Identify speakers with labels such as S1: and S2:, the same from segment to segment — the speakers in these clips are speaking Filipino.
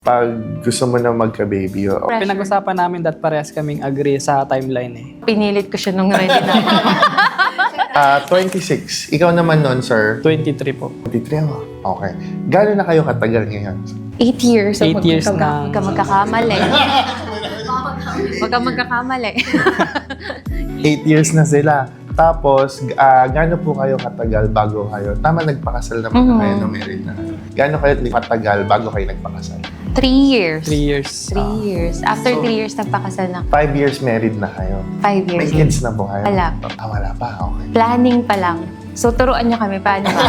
S1: Pag gusto mo na magka-baby,
S2: Pinag-usapan namin that parehas kaming agree sa timeline eh.
S3: Pinilit ko siya nung ready na.
S1: 26. Ikaw naman nun, sir?
S2: 23 po.
S1: 23 ako. Okay. Gano'n na kayo katagal ngayon?
S3: 8 years. So
S2: 8 years na.
S3: Huwag ka magkakamali. Huwag ka magkakamali.
S1: 8 years na sila. Tapos, gaano po kayo katagal bago kayo? Tama, nagpakasal naman na kayo na married na. Gaano kayo katagal bago kayo nagpakasal?
S3: 3 years.
S2: 3 years.
S3: 3 years. After 3 years, nagpakasal na.
S1: 5 years married na kayo.
S3: 5 years.
S1: May kids na po kayo?
S3: Wala pa.
S1: Wala pa. Okay.
S3: Planning pa lang. So, turuan niyo kami. Paano ba?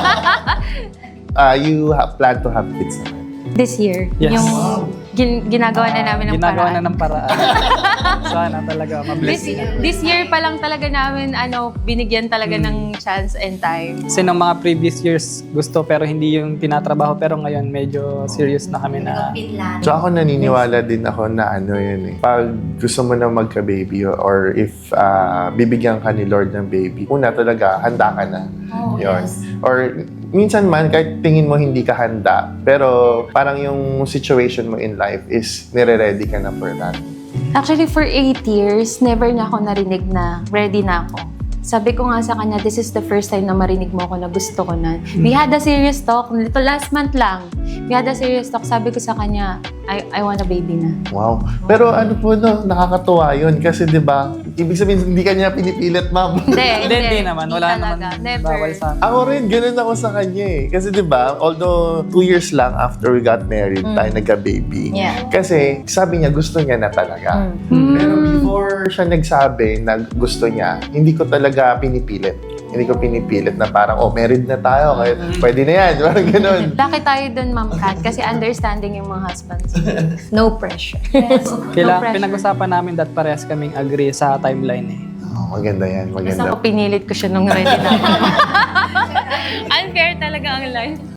S1: You plan to have kids naman?
S3: This year.
S2: Yes.
S3: Yung ginagawa na namin ng
S2: Ginagawa
S3: paraan.
S2: na ng paraan. Sana talaga mabless.
S3: This year pa lang talaga namin binigyan talaga ng chance and time.
S2: Kasi nung mga previous years gusto pero hindi yung tinatrabaho pero ngayon medyo serious na kami na
S1: So ako naniniwala din ako na yun eh. Pag gusto mo na magka-baby or if bibigyan ka ni Lord ng baby, una talaga, handa ka na. Yun. Or minsan man, kahit tingin mo hindi ka handa, pero parang yung situation mo in life is nire-ready ka na for that.
S3: Actually, for 8 years, never na ako narinig na ready na ako. Sabi ko nga sa kanya, this is the first time na marinig mo ako na gusto ko na. We had a serious talk, last month lang. We had a serious talk. Sabi ko sa kanya, I want a baby na.
S1: Wow. Pero ano po nakakatuwa yun. Kasi di ba ibig sabihin, hindi ka niya pinipilit, ma'am.
S2: Hindi naman. Wala naman
S3: Never.
S2: bawal sa amin.
S1: Ako rin, ganun ako sa kanya eh. Kasi di ba although 2 years lang after we got married, tayo nagka-baby.
S3: Yeah.
S1: Kasi sabi niya, gusto niya na talaga. Pero before siya nagsabi na gusto niya, hindi ko talaga pinipilit. Hindi ko pinipilit na parang, married na tayo, kaya pwede na yan. Parang ganun.
S3: Bakit tayo dun, Ma'am Kat? Kasi understanding yung mga husbands. No pressure.
S2: Kailangan pinag-usapan namin that parehas kaming agree sa timeline eh.
S1: Oh, maganda yan,
S3: Basta
S1: maganda.
S3: ako pinilit ko siya nung ready na. Unfair talaga ang life.